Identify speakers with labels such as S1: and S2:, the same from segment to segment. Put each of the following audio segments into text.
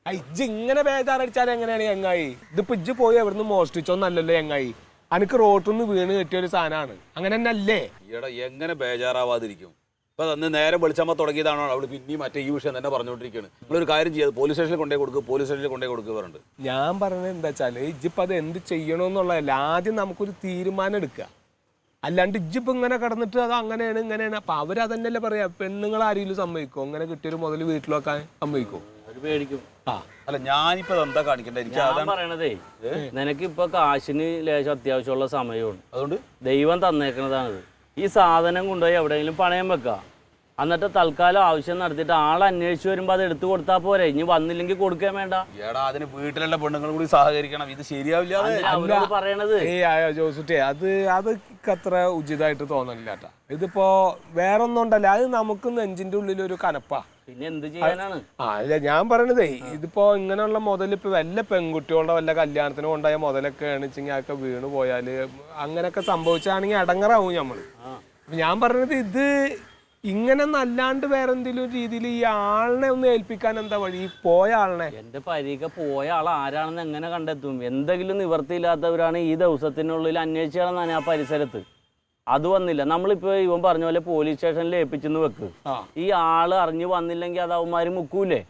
S1: ഇജ്ജ് ഇങ്ങനെ ബേജാറടിച്ചാൽ എങ്ങനെയാണ് ചങ്ങായി? ഇതിപ്പോ ഇജ്ജ് പോയി എവിടുന്ന് മോഷ്ടിച്ചോന്നല്ലല്ലോ ചങ്ങായി, അനക്ക് റോട്ടിൽ നിന്ന് വീണ് കിട്ടിയൊരു സാധനമാണ്. അങ്ങനെ തന്നെ അല്ലേ?
S2: ഈടാ എങ്ങനെ ബേജാറാവാതിരിക്കും? ഇപ്പൊ അന്ന് നേരം വെളിച്ചമ്മ തുടങ്ങിയതാണോ അവള് പിന്നെയും മറ്റേ ഈ വിഷയം തന്നെ പറഞ്ഞുകൊണ്ടിരിക്കുകയാണ്. നിങ്ങളൊരു കാര്യം ചെയ്യാതെ പോലീസ് സ്റ്റേഷനിൽ കൊണ്ടേ കൊടുക്കുക, പോലീസ് സ്റ്റേഷനിൽ കൊണ്ടേ കൊടുക്കുക പറഞ്ഞിട്ട്.
S1: ഞാൻ പറഞ്ഞത് എന്താ വെച്ചാല് ഇജ്ജിപ്പോ അത് എന്ത് ചെയ്യണമെന്നുള്ളതല്ല, ആദ്യം നമുക്കൊരു തീരുമാനം എടുക്കുക. അല്ലാണ്ട് ഇജ്ജിപ്പോ ഇങ്ങനെ കിടന്നിട്ട് അത് അങ്ങനെയാണ് ഇങ്ങനെയാണ്. അപ്പൊ അവരതന്നെയല്ലേ പറയാ, പെണ്ണുങ്ങൾ ആരെങ്കിലും സമ്മതിക്കോ? അങ്ങനെ കിട്ടിയൊരു മുതൽ വീട്ടിൽ വെക്കാൻ സമ്മതിക്കോ?
S3: പേടിക്കും.
S2: അല്ല ഞാനിപ്പോ എന്താ കാണിക്കണ്ടേ?
S3: ഞാൻ പറയണതേ, നിനക്ക് ഇപ്പൊ കാശിന് ലേശം അത്യാവശ്യമുള്ള സമയമാണ്. അതുകൊണ്ട് ദൈവം തന്നേക്കണതാണിത്. ഈ സാധനം കൊണ്ടുപോയി എവിടെയെങ്കിലും പണയം വെക്കുക. എന്നിട്ട് തൽക്കാലം ആവശ്യം നടത്തിയിട്ട് ആൾ അന്വേഷിച്ച് വരുമ്പോ അത് എടുത്തു കൊടുത്താൽ പോരെ. ഇനി വന്നില്ലെങ്കിൽ കൊടുക്കാൻ വേണ്ട.
S2: ഏടാ അതിന് വീട്ടിലുള്ള പെണ്ണുങ്ങൾ കൂടി സഹകരിക്കണം. ഇത് ശരിയാവില്ല
S3: പറയണത്.
S1: ജോസുട്ടി, അത് അത്ര ഉചിതമായിട്ട് തോന്നണില്ല കേട്ടാ. ഇതിപ്പോ വേറൊന്നും ഉണ്ടല്ല, അത് നമുക്ക് നെഞ്ചിന്റെ ഉള്ളിൽ ഒരു കനപ്പാ.
S3: പിന്നെ എന്ത് ചെയ്യാനാണ്?
S1: അല്ല ഞാൻ പറയണതേ, ഇതിപ്പോ ഇങ്ങനെയുള്ള മുതൽ ഇപ്പൊ വല്ല പെൺകുട്ടികളുടെ വല്ല കല്യാണത്തിന് കൊണ്ടായ മുതലൊക്കെ ആണെച്ചെങ്കിൽ അതൊക്കെ വീണ് പോയാല് അങ്ങനെയൊക്കെ സംഭവിച്ചാണെങ്കിൽ അടങ്ങറാവും നമ്മള്. ഞാൻ പറഞ്ഞത് ഇത് ഇങ്ങനെ നല്ലാണ്ട് വേറെ എന്തെങ്കിലും രീതിയിൽ ഈ ആളിനെ ഒന്ന് ഏൽപ്പിക്കാൻ എന്താ വഴി? ഈ പോയ ആളിനെ,
S3: എന്റെ പരീക്ഷ പോയ ആൾ ആരാണെന്ന് എങ്ങനെ കണ്ടെത്തും? എന്തെങ്കിലും നിവർത്തിയില്ലാത്തവരാണ് ഈ ദിവസത്തിനുള്ളിൽ അന്വേഷിച്ചാണെന്നാണ് ആ പരിസരത്ത്. അത് വന്നില്ല. നമ്മളിപ്പോ ഇവൻ പറഞ്ഞ പോലെ പോലീസ് സ്റ്റേഷനിൽ ഏൽപ്പിച്ചെന്ന് വെക്ക്. ഈ ആള് അറിഞ്ഞു വന്നില്ലെങ്കിൽ അത് അവന്മാര് മുക്കൂലേ?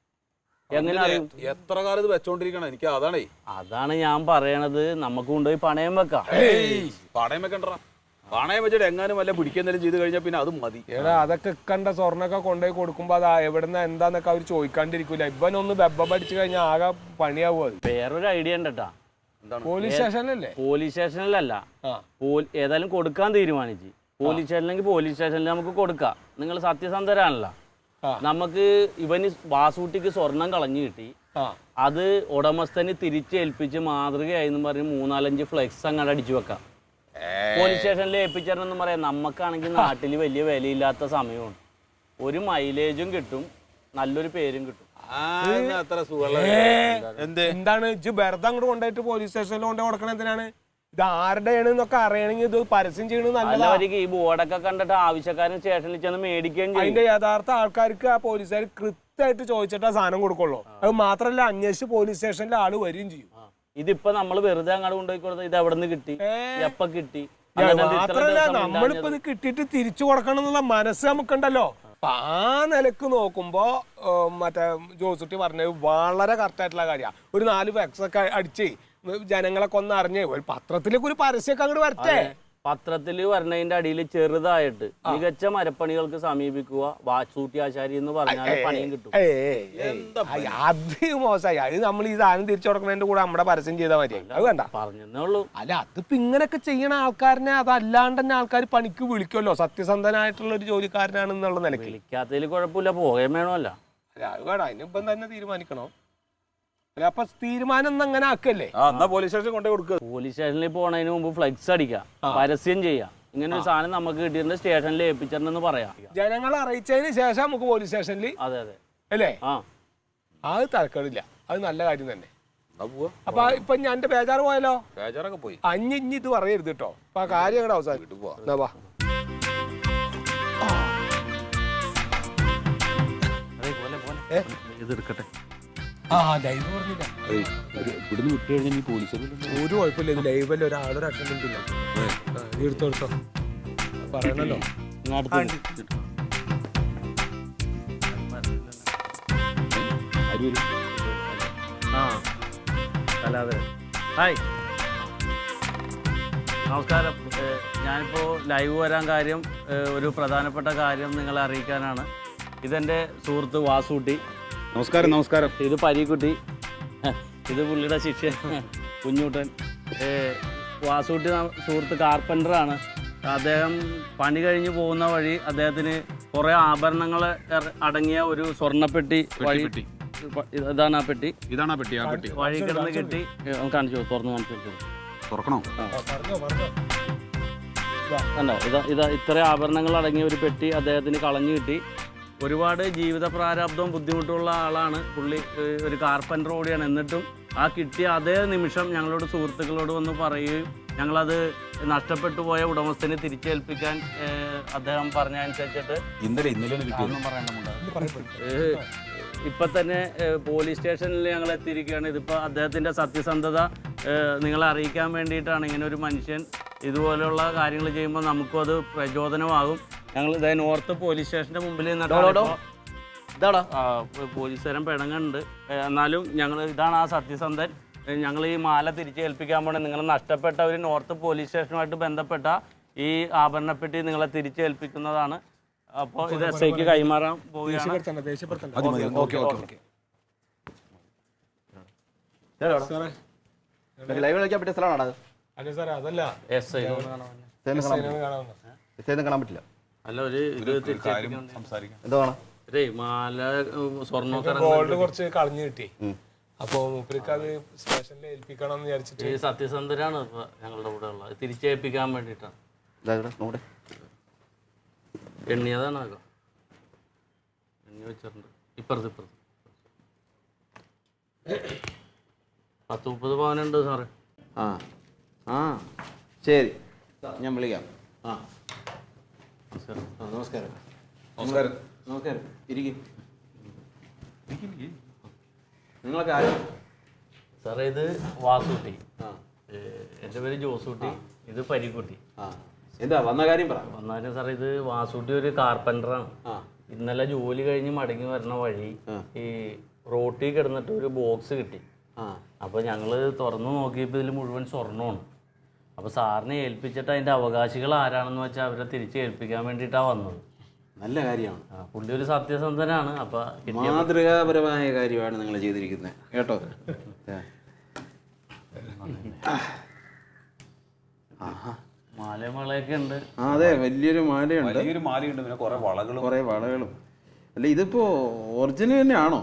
S3: എങ്ങനെ അറിയും?
S2: എത്ര കാലം ഇത് വെച്ചോണ്ടിരിക്കണം? എനിക്ക്
S3: അതാണ് ഞാൻ പറയണത്. നമുക്ക് കൊണ്ടുപോയി പണയം വെക്കാം.
S2: പണയം വെക്കണ്ട. പണയം വെച്ചിട്ട് എങ്ങാനും വല്ല പിടിക്കുന്നതിലും ചെയ്ത് കഴിഞ്ഞാൽ പിന്നെ അതും മതി.
S1: ഏടാ അതൊക്കെ കണ്ട സ്വർണ്ണൊക്കെ കൊണ്ടുപോയി കൊടുക്കുമ്പോ അത് എവിടുന്ന എന്താന്നൊക്കെ അവർ ചോദിക്കാണ്ടിരിക്കൂല. ഇവനൊന്ന് ബെബ്ബ പഠിച്ചു കഴിഞ്ഞാൽ ആകെ പണിയാവും. അത്
S3: വേറൊരു ഐഡിയ ഉണ്ടട്ടാ.
S1: പോലീസ് സ്റ്റേഷനിലല്ലേ?
S3: പോലീസ് സ്റ്റേഷനിലല്ല, ഏതായാലും കൊടുക്കാൻ തീരുമാനിച്ചു. പോലീസ് സ്റ്റേഷനിലെങ്കിൽ പോലീസ് സ്റ്റേഷനിൽ നമുക്ക് കൊടുക്കാം. നിങ്ങൾ സത്യസന്ധരാണല്ലോ. നമുക്ക് ഇവന് വാസൂട്ടിക്ക് സ്വർണം കളഞ്ഞു കിട്ടി. അത് ഉടമസ്ഥന് തിരിച്ചേൽപ്പിച്ച് മാതൃകയായി പറഞ്ഞ് 3-4 ഫ്ലെക്സ് അങ്ങോട്ട് അടിച്ചു വെക്കാം. പോലീസ് സ്റ്റേഷനിൽ ഏൽപ്പിച്ചെന്നും പറയാം. നമുക്കാണെങ്കിൽ നാട്ടിൽ വലിയ വിലയില്ലാത്ത സമയമാണ്. ഒരു മൈലേജും കിട്ടും, നല്ലൊരു പേരും കിട്ടും.
S1: എന്താണ് ഇജ്ജ് വെറുതെ അങ്ങോട്ട് കൊണ്ടുപോയിട്ട് പോലീസ് സ്റ്റേഷനിൽ കൊണ്ടുപോയി കൊടുക്കണ എന്തിനാണ്? ഇത് ആരുടെയാണ് എന്നൊക്കെ അറിയണമെങ്കിൽ ഇത് പരസ്യം ചെയ്യണത് നല്ലതായിരിക്കും.
S3: ഈ ബോർഡൊക്കെ കണ്ടിട്ട് ആവശ്യക്കാരൻ സ്റ്റേഷനിൽ ചെന്ന് മേടിക്കുകയും ചെയ്യും.
S1: അതിന്റെ യഥാർത്ഥ ആൾക്കാർക്ക് ആ പോലീസുകാർ കൃത്യമായിട്ട് ചോദിച്ചിട്ട് ആ സാധനം കൊടുക്കുള്ളൂ. അത് മാത്രല്ല അന്വേഷിച്ച് പോലീസ് സ്റ്റേഷനിൽ ആള് വരികയും ചെയ്യും.
S3: ഇതിപ്പോ നമ്മള് വെറുതെ അങ്ങോട്ട് കൊണ്ടുപോയി കൊടുത്താൽ ഇത് എവിടെ നിന്ന് കിട്ടി, എപ്പ കിട്ടി?
S1: മാത്രല്ല നമ്മളിപ്പോ ഇത് കിട്ടിയിട്ട് തിരിച്ചു കൊടുക്കണം എന്നുള്ള മനസ്സ് നമുക്കുണ്ടല്ലോ. അപ്പൊ ആ നിലക്ക് നോക്കുമ്പോ മറ്റേ ജോസുട്ടി പറഞ്ഞത് വളരെ കറക്റ്റ് ആയിട്ടുള്ള കാര്യമാണ്. ഒരു 4 ഫ്ലെക്സ് ഒക്കെ അടിച്ച് ജനങ്ങളൊക്കെ ഒന്ന് അറിഞ്ഞ് ഒരു പത്രത്തിലേക്ക് ഒരു പരസ്യമൊക്കെ അങ്ങോട്ട് വരട്ടെ.
S3: പത്രത്തിൽ വരണതിന്റെ അടിയിൽ ചെറുതായിട്ട് മികച്ച മരപ്പണികൾക്ക് സമീപിക്കുക വാസൂട്ടി ആശാരി എന്ന് പറഞ്ഞാൽ പണിയും കിട്ടും.
S1: അത് മോശമായി. അത് നമ്മൾ ഈ സാധനം തിരിച്ചു കൊടുക്കുന്നതിന്റെ കൂടെ നമ്മുടെ പരസ്യം ചെയ്താൽ മതി. അത് വേണ്ട
S3: പറഞ്ഞേ ഉള്ളൂ.
S1: അല്ല അതിപ്പോ ഇങ്ങനെയൊക്കെ ചെയ്യണ ആൾക്കാരനെ അതല്ലാണ്ട് തന്നെ ആൾക്കാർ പണിക്ക് വിളിക്കുമല്ലോ. സത്യസന്ധനായിട്ടുള്ള ഒരു ജോലിക്കാരനാണെന്നുള്ള നിലയ്ക്ക്
S3: വിളിക്കാത്തതിൽ കുഴപ്പമില്ല, പോകേം വേണമല്ല.
S1: അത് വേണ്ട, അതിനിപ്പം തന്നെ തീരുമാനിക്കണോ? അപ്പൊ തീരുമാനം അങ്ങനെ ആക്കല്ലേ?
S2: പോലീസ് സ്റ്റേഷൻ കൊണ്ടേ കൊടുക്കുക.
S3: പോലീസ് സ്റ്റേഷനിൽ പോണതിന് മുമ്പ് ഫ്ലെക്സ് അടിക്കാം, പരസ്യം ചെയ്യാം. ഇങ്ങനെ ഒരു സാധനം നമുക്ക് കിട്ടിയിട്ട് സ്റ്റേഷനിൽ ഏൽപ്പിച്ചെന്ന് പറയാം.
S1: ജനങ്ങളെ അറിയിച്ചതിന് ശേഷം നമുക്ക് പോലീസ് സ്റ്റേഷനിൽ.
S3: അതെ അതെ
S1: അല്ലേ? അത് തരക്കേടില്ല, അത് നല്ല കാര്യം തന്നെ. അപ്പൊ ഇപ്പൊ ഞാൻ എന്റെ ബേജാറ് പോയാലോ?
S2: ബേജാറൊക്കെ പോയി.
S1: ഇനി ഇത് പറയരുത് കേട്ടോ. അപ്പൊ ആ കാര്യം അങ്ങോട്ട് അവസാനിട്ട് പോവാ.
S2: ഇതെടുക്കട്ടെ.
S1: ഒരു കുഴപ്പമില്ല. ഇത് ലൈവല്ല, ഒരാളൊരു അറ്റൻഡന്റ് ഇല്ല. എടുത്തോ പറയണല്ലോ.
S3: ഹായ്, നമസ്കാരം. ഞാനിപ്പോ ലൈവ് വരാൻ കാര്യം ഒരു പ്രധാനപ്പെട്ട കാര്യം നിങ്ങളെ അറിയിക്കാനാണ്. ഇതെന്റെ സുഹൃത്ത് വാസൂട്ടി.
S2: നമസ്കാരം. നമസ്കാരം.
S3: ഇത് പരീക്കുട്ടി, ഇത് പുള്ളിയുടെ ശിഷ്യൻ കുഞ്ഞൂട്ടൻ. വാസൂട്ടി സുഹൃത്ത് കാർപ്പൻ്ററാണ്. അദ്ദേഹം പണി കഴിഞ്ഞ് പോകുന്ന വഴി അദ്ദേഹത്തിന് കുറേ ആഭരണങ്ങൾ അടങ്ങിയ ഒരു സ്വർണ്ണപ്പെട്ടി വഴി, ഇതാണ് ആ പെട്ടി.
S2: ഇതാണ് ആ പെട്ടി. ആ പെട്ടി
S3: വഴി കിടന്ന് കിട്ടി. കാണിച്ചു, തുറന്ന് കാണിച്ചു.
S2: തുറക്കണോ?
S3: കണ്ടോ? ഇതാ ഇത്ര ആഭരണങ്ങൾ അടങ്ങിയ ഒരു പെട്ടി അദ്ദേഹത്തിന് കളഞ്ഞു കിട്ടി. ഒരുപാട് ജീവിത പ്രാരാബ്ദവും ബുദ്ധിമുട്ടുള്ള ആളാണ് പുള്ളി. ഒരു കാർപ്പൻ്റർ കൂടിയാണ്. എന്നിട്ടും ആ കിട്ടിയ അതേ നിമിഷം ഞങ്ങളോട് സുഹൃത്തുക്കളോട് വന്ന് പറയുകയും ഞങ്ങളത് നഷ്ടപ്പെട്ടു പോയ ഉടമസ്ഥനെ തിരിച്ചേൽപ്പിക്കാൻ അദ്ദേഹം പറഞ്ഞ അനുസരിച്ചിട്ട് ഇപ്പം തന്നെ പോലീസ് സ്റ്റേഷനിൽ ഞങ്ങൾ എത്തിയിരിക്കുകയാണ്. ഇതിപ്പോൾ അദ്ദേഹത്തിൻ്റെ സത്യസന്ധത നിങ്ങളെ അറിയിക്കാൻ വേണ്ടിയിട്ടാണ്. ഇങ്ങനെ ഒരു മനുഷ്യൻ ഇതുപോലെയുള്ള കാര്യങ്ങൾ ചെയ്യുമ്പോൾ നമുക്കും അത് പ്രചോദനമാകും. ഞങ്ങൾ ഇതേ നോർത്ത് പോലീസ് സ്റ്റേഷൻ്റെ മുമ്പിൽ
S4: ഇതാടാ
S3: പോലീസുകാരൻ പിണങ്ങുന്നുണ്ട്. എന്നാലും ഞങ്ങൾ ഇതാണ് ആ സത്യസന്ധൻ. ഞങ്ങൾ ഈ മാല തിരിച്ചേൽപ്പിക്കാൻ പോണേ. നിങ്ങൾ നഷ്ടപ്പെട്ട ഒരു നോർത്ത് പോലീസ് സ്റ്റേഷനുമായിട്ട് ബന്ധപ്പെട്ട ഈ ആഭരണപ്പെട്ടി നിങ്ങളെ തിരിച്ചേൽപ്പിക്കുന്നതാണ്. അപ്പോൾ ഇത് SIക്ക് കൈമാറാൻ പോവുകയാണ്.
S4: ലൈവ് കളിക്കാൻ പറ്റിയ സ്ഥലമാണോ
S1: അല്ല സാറേ, അതല്ല
S3: SI
S4: കാണാൻ പറ്റില്ല.
S3: അല്ല ഒരു ഇത്
S2: സംസാരിക്കാം.
S4: എന്താ വേണം?
S3: മാല സ്വർണ്ണമൊക്കെ
S1: ഗോൾഡ് കുറച്ച് കളഞ്ഞു കിട്ടി. അപ്പൊ മൂപ്പർക്ക് അത് സ്റ്റേഷനിൽ ഏൽപ്പിക്കണം എന്ന് വിചാരിച്ചിട്ട്.
S3: ഈ സത്യസന്ധരാണ് ഇപ്പൊ ഞങ്ങളുടെ കൂടെ ഉള്ളത്. തിരിച്ചേൽപ്പിക്കാൻ വേണ്ടിയിട്ടാണ്.
S4: നോടെ
S3: എണ്ണിയതാണ് ആകെ എണ്ണി വെച്ചിട്ടുണ്ട്. ഇപ്പുറത്ത് 10-30 പവനുണ്ട് സാറേ.
S4: ആ ആ ശരി, ഞാൻ വിളിക്കാം. ആ നമസ്കാരം.
S2: നമസ്കാരം.
S4: നമസ്കാരം. ഇരിക്കും. നിങ്ങളൊക്കെ ആരും?
S3: സാറേ ഇത് വാസൂട്ടി,
S4: ആ
S3: എൻ്റെ പേര് ജോസൂട്ടി, ഇത് പരിക്കുട്ടി.
S4: ആ എന്താ വന്ന കാര്യം പറ.
S3: വന്നാലും സാറേ ഇത് വാസൂട്ടി ഒരു കാർപ്പൻ്ററാണ്. ഇന്നലെ ജോലി കഴിഞ്ഞ് മടങ്ങി വരുന്ന വഴി ഈ റോട്ടിൽ കിടന്നിട്ട് ഒരു ബോക്സ് കിട്ടി. അപ്പോൾ ഞങ്ങൾ തുറന്നു നോക്കിയപ്പോൾ ഇതിൽ മുഴുവൻ സ്വർണ്ണമാണ്. അപ്പോൾ സാറിനെ ഏൽപ്പിച്ചിട്ട് അതിൻ്റെ അവകാശികൾ ആരാണെന്ന് വെച്ചാൽ അവരെ തിരിച്ച് ഏൽപ്പിക്കാൻ വേണ്ടിയിട്ടാണ് വന്നത്.
S4: നല്ല കാര്യമാണ്.
S3: പുള്ളി ഒരു സത്യസന്ധനാണ്. അപ്പോൾ
S4: മാതൃകാപരമായ കാര്യമാണ് നിങ്ങൾ ചെയ്തിരിക്കുന്നത് കേട്ടോ.
S3: മാലമളയൊക്കെ ഉണ്ട്.
S4: അതെ, വലിയൊരു മാലയുണ്ട്.
S2: വലിയൊരു മാലയുണ്ട്, പിന്നെ കുറെ വളകളും. അല്ല ഇതിപ്പോ ഒറിജിനൽ തന്നെയാണോ?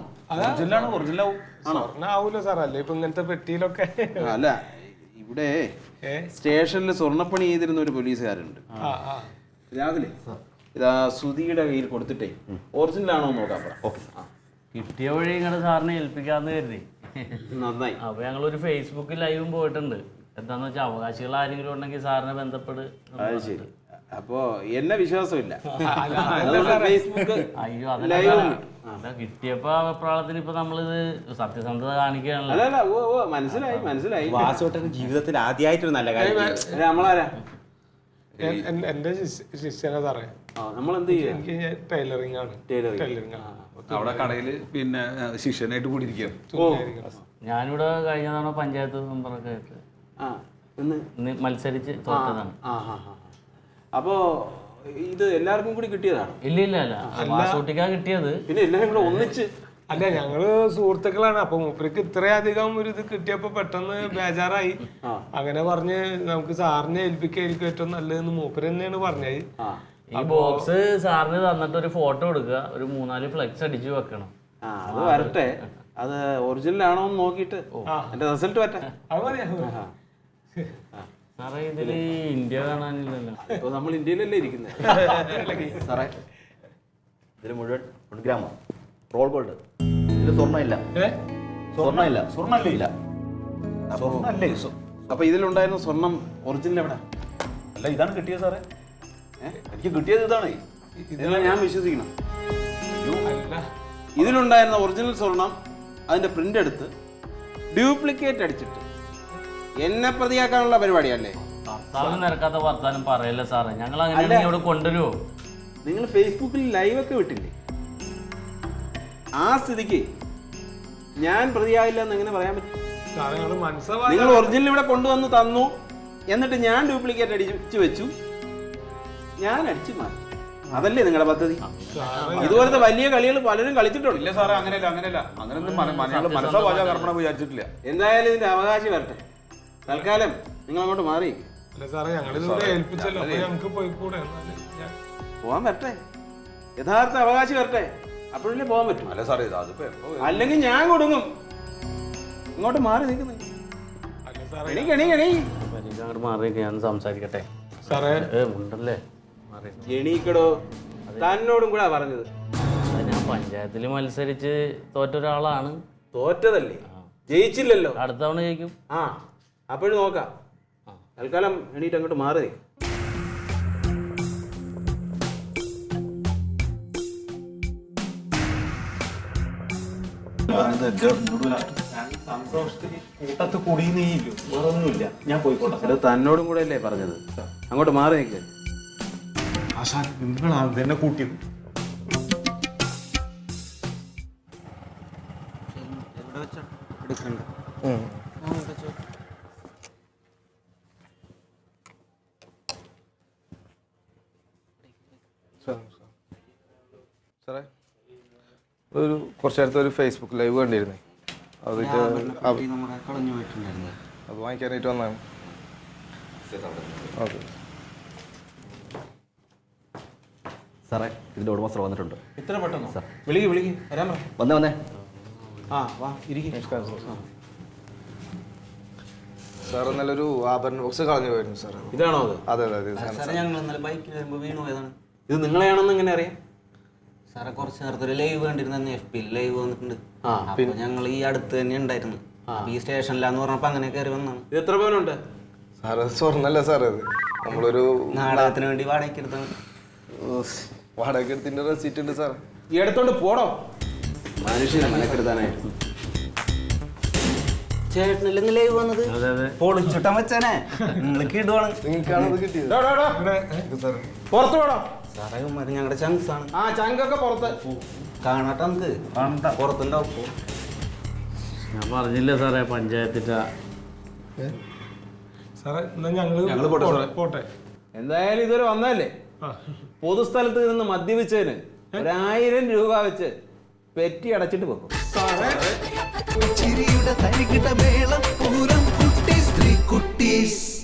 S1: ആവൂലോ സാറല്ലേ ഇപ്പൊ ഇങ്ങനത്തെ പെട്ടിയിലൊക്കെ.
S4: അല്ല, ഇവിടെ സ്റ്റേഷനിൽ സ്വർണ്ണപ്പണി ചെയ്തിരുന്ന ഒരു പോലീസുകാരുണ്ട്. രാവിലെ ഇതാ സുധിയുടെ കയ്യിൽ കൊടുത്തിട്ടേ ഒറിജിനൽ ആണോ നോക്കാം.
S3: കിട്ടിയ വഴി ഇങ്ങനെ സാറിനെ ഏൽപ്പിക്കാന്ന് കരുതി.
S4: നന്നായി.
S3: അപ്പൊ ഞങ്ങളൊരു ഫേസ്ബുക്ക് ലൈവും പോയിട്ടുണ്ട്. എന്താന്ന് വെച്ചാൽ അവകാശികൾ ആരെങ്കിലും ഉണ്ടെങ്കിൽ സാറിനെ ബന്ധപ്പെട്ട്.
S4: അത് ശരി. അപ്പോ എന്നെ വിശ്വാസമില്ല.
S3: ഫേസ്ബുക്ക് അയ്യോ അതല്ല കിട്ടിയപ്പോ അഭിപ്രായത്തിന് ഇപ്പൊ നമ്മളിത് സത്യസന്ധത കാണിക്കുകയാണല്ലോ.
S4: അല്ല മനസ്സിലായി.
S5: വാസുവേട്ടൻ ജീവിതത്തിൽ ആദ്യമായിട്ടൊരു നല്ല കാര്യം.
S4: നമ്മളാരാ?
S1: എന്റെ ശിഷ്യനാ സാറേ.
S4: നമ്മളെന്ത് ചെയ്യും?
S1: എനിക്ക് ടൈലറിംഗ് ആണ്. ടൈലറിംഗ്
S2: അവിടെ കടയില് പിന്നെ ശിഷ്യനായിട്ട് കൂടി ഇരിക്കുകയാണ്.
S3: ഞാനിവിടെ കഴിഞ്ഞ തവണ പഞ്ചായത്ത് മെമ്പറൊക്കെ ആയിട്ട് മത്സരിച്ച് തോറ്റതാണ്.
S4: അപ്പോ ഇത് എല്ലാവർക്കും കൂടി കിട്ടിയതാണ്?
S3: ഇല്ല വാസൂട്ടിക്കാ കിട്ടിയത്.
S4: പിന്നെ എല്ലാരും കൂടെ ഒന്നിച്ച്?
S1: അല്ല, ഞങ്ങള് സുഹൃത്തുക്കളാണ്. അപ്പൊ മൂപ്പർക്ക് ഇത്രയധികം ഒരു ഇത് കിട്ടിയപ്പോ പെട്ടെന്ന് ബേജാറായി. അങ്ങനെ പറഞ്ഞ് നമുക്ക് സാറിനെ ഏൽപ്പിക്കായിരിക്കും ഏറ്റവും നല്ലതെന്ന് മൂപ്പര് തന്നെയാണ് പറഞ്ഞത്.
S3: ഈ ബോക്സ് സാറിന് തന്നിട്ട് ഒരു ഫോട്ടോ എടുക്കുക, ഒരു 3-4 ഫ്ലെക്സ് അടിച്ചു വെക്കണം.
S4: അത് വരട്ടെ. അത് ഒറിജിനൽ ആണോ എന്ന് നോക്കിയിട്ട് എന്റെ റിസൾട്ട് വരട്ടെ.
S3: സാറേ ഇതില് ഇന്ത്യ കാണാനില്ലല്ലോ.
S4: ഇപ്പൊ നമ്മൾ ഇന്ത്യയിലല്ലേ ഇരിക്കുന്നത് സാറേ.
S5: ഇതിൽ മുഴുവൻ 1 ഗ്രാമോ റോൾ ഗോൾഡ്. ഇതിൽ സ്വർണ്ണമില്ല.
S4: അപ്പൊ ഇതിലുണ്ടായിരുന്ന സ്വർണം ഒറിജിനൽ എവിടെ?
S2: അല്ല, ഇതാണ് കിട്ടിയത് സാറേ. എനിക്ക് കിട്ടിയത് ഇതാണ്.
S4: ഇതെല്ലാം ഞാൻ വിശ്വസിക്കണം. ഇതിലുണ്ടായിരുന്ന ഒറിജിനൽ സ്വർണം അതിന്റെ പ്രിന്റ് എടുത്ത് ഡ്യൂപ്ലിക്കേറ്റ് അടിച്ചിട്ട് എന്നെ പ്രതിയാക്കാനുള്ള പരിപാടിയല്ലേ?
S3: ഭർത്താവിന് നിരക്കാത്ത വർത്താനം പറയല്ലേ സാറേ. ഞങ്ങൾ അങ്ങനെ ഇവിടെ കൊണ്ടുവരുമോ?
S4: നിങ്ങൾ ഫേസ്ബുക്കിൽ ലൈവ് ഒക്കെ വിട്ടില്ലേ? ആ സ്ഥിതിക്ക് ഞാൻ പ്രതിയാകില്ല എന്ന് എങ്ങനെ പറയാൻ പറ്റും? നിങ്ങൾ ഒറിജിനൽ ഇവിടെ കൊണ്ടുവന്ന് തന്നു, എന്നിട്ട് ഞാൻ ഡ്യൂപ്ലിക്കേറ്റ് അടിച്ചു വെച്ചു, ഞാൻ അടിച്ചു മാറ്റി. അതല്ലേ നിങ്ങളുടെ പദ്ധതി? ഇതുപോലത്തെ വലിയ കളികൾ പലരും കളിച്ചിട്ടുണ്ട്.
S2: ഇല്ല സാറേ, അങ്ങനെയല്ല. അങ്ങനെയൊന്നും മനസ്സാ വാചാ കർമ്മണം വിചാരിച്ചിട്ടില്ല.
S4: എന്തായാലും ഇതിന്റെ അവകാശം വരട്ടെ. തൽക്കാലം നിങ്ങൾ അങ്ങോട്ട് മാറി പോവാൻ വരട്ടെ. യഥാർത്ഥ അവകാശം വരട്ടെ, അപ്പോഴല്ലേ പോകാൻ പറ്റും.
S2: അല്ല സാറേ,
S4: അല്ലെങ്കിൽ ഞാൻ കൊടുങ്ങും. ഇങ്ങോട്ട് മാറി നിൽക്കുന്നു.
S3: അങ്ങോട്ട് മാറി ഞാൻ സംസാരിക്കട്ടെ
S1: സാറേ.
S3: ഉണ്ടല്ലേ
S4: എണീക്കടോ. തന്നോടും കൂടെ പറഞ്ഞത്.
S3: ഞാൻ പഞ്ചായത്തിൽ മത്സരിച്ച് തോറ്റ ഒരാളാണ്.
S4: തോറ്റതല്ലേ, ജയിച്ചില്ലല്ലോ.
S3: അടുത്ത തവണ ജയിക്കും.
S4: അപ്പോഴും നോക്കാം. തൽക്കാലം എണീറ്റ് അങ്ങോട്ട് മാറി. സന്തോഷത്തിന് കൂട്ടത്ത് കുടിയുന്നേയില്ലോ, വേറെ ഒന്നുമില്ല. ഞാൻ പോയിക്കോട്ടെ. അത് തന്നോടും കൂടെ അല്ലേ പറഞ്ഞത്? അങ്ങോട്ട് മാറി നിൽക്ക്.
S6: ആശാൻ നിങ്ങളാണ് എന്നെ കൂട്ടിയത്.
S1: സാറേ കുറച്ച് നേരത്തെ ഒരു ഫേസ്ബുക്ക് ലൈവ് കണ്ടിരുന്നേ, അതിട്ട് അത് വാങ്ങിക്കാനായിട്ട് വന്നതാണ്. ഓക്കെ
S5: സാറേ ഇതിൻ്റെ ഉടമസ്ഥർ വന്നിട്ടുണ്ട്.
S4: ഇത്ര പെട്ടെന്നോ? വിളിക്ക് വരാൻ പറ.
S5: വന്നേ
S4: ആ വാ ഇരിക്കും.
S1: സാർ നല്ലൊരു ആഭരണ ബോക്സ് കളഞ്ഞു പോയിരുന്നു സാർ.
S4: ഇതാണോ അത്?
S1: അതെ അതെ അതെ.
S7: ഞങ്ങൾ ഇന്നലെ ബൈക്കിൽ വരുമ്പോൾ വീണു പോയതാണ്.
S4: ഇത് നിങ്ങളെയാണെന്ന് എങ്ങനെ അറിയാം?
S7: സാറെ കുറച്ച് നേരത്തെ ഒരു ലൈവ് കണ്ടിരുന്നു, FB ലൈവ് വന്നിട്ടുണ്ട്. അപ്പൊ ഞങ്ങൾ ഈ അടുത്ത് തന്നെ ഉണ്ടായിരുന്നു. ഈ സ്റ്റേഷനിലാന്ന് പറഞ്ഞപ്പോ അങ്ങനെ കയറി വന്നാണ്.
S4: ഇത് എത്ര പവനുണ്ട്?
S1: സാറ് സ്വർണ്ണല്ല സാർ, അത് നമ്മളൊരു
S7: നാടകത്തിന് വേണ്ടി വാടകയ്ക്ക് എടുത്താണ്.
S1: വാടക എടുത്തിന്റെ റെസീറ്റ് ഉണ്ട് സാർ.
S4: ഈ എടുത്തോണ്ട് പോടോ. മനുഷ്യനെ മനക്കെടുത്താനായിട്ട്.
S7: ചേട്ടനില്ലെങ്കിൽ ലൈവ് വന്നത് പൊളിച്ചിട്ടാൻ വെച്ചാനേ നിങ്ങൾക്ക് ഇടുവാണ്.
S1: നിങ്ങൾക്കാണത് കിട്ടിയത്
S4: പുറത്തു പോടോ.
S7: സാറേ ഞങ്ങളുടെ ചങ്സ് ആണ്.
S4: ആ ചങ്കൊക്കെ പുറത്ത്
S7: കാണട്ടെ, നമുക്ക് പുറത്തുണ്ടാവും.
S3: ഞാൻ പറഞ്ഞില്ലേ സാറേ പഞ്ചായത്തിൻ്റെ
S1: സാറേ ഞങ്ങള് പോട്ടെ.
S4: എന്തായാലും ഇതുവരെ വന്നതല്ലേ? പൊതുസ്ഥലത്ത് നിന്ന് മദ്യപിച്ചതിന് 1000 രൂപ വെച്ച് പെറ്റി അടച്ചിട്ട് വെക്കും.
S8: ചിരിയുടെ തരികിട മേളം പൂരം കുട്ടീസ് 3 കുട്ടീസ്.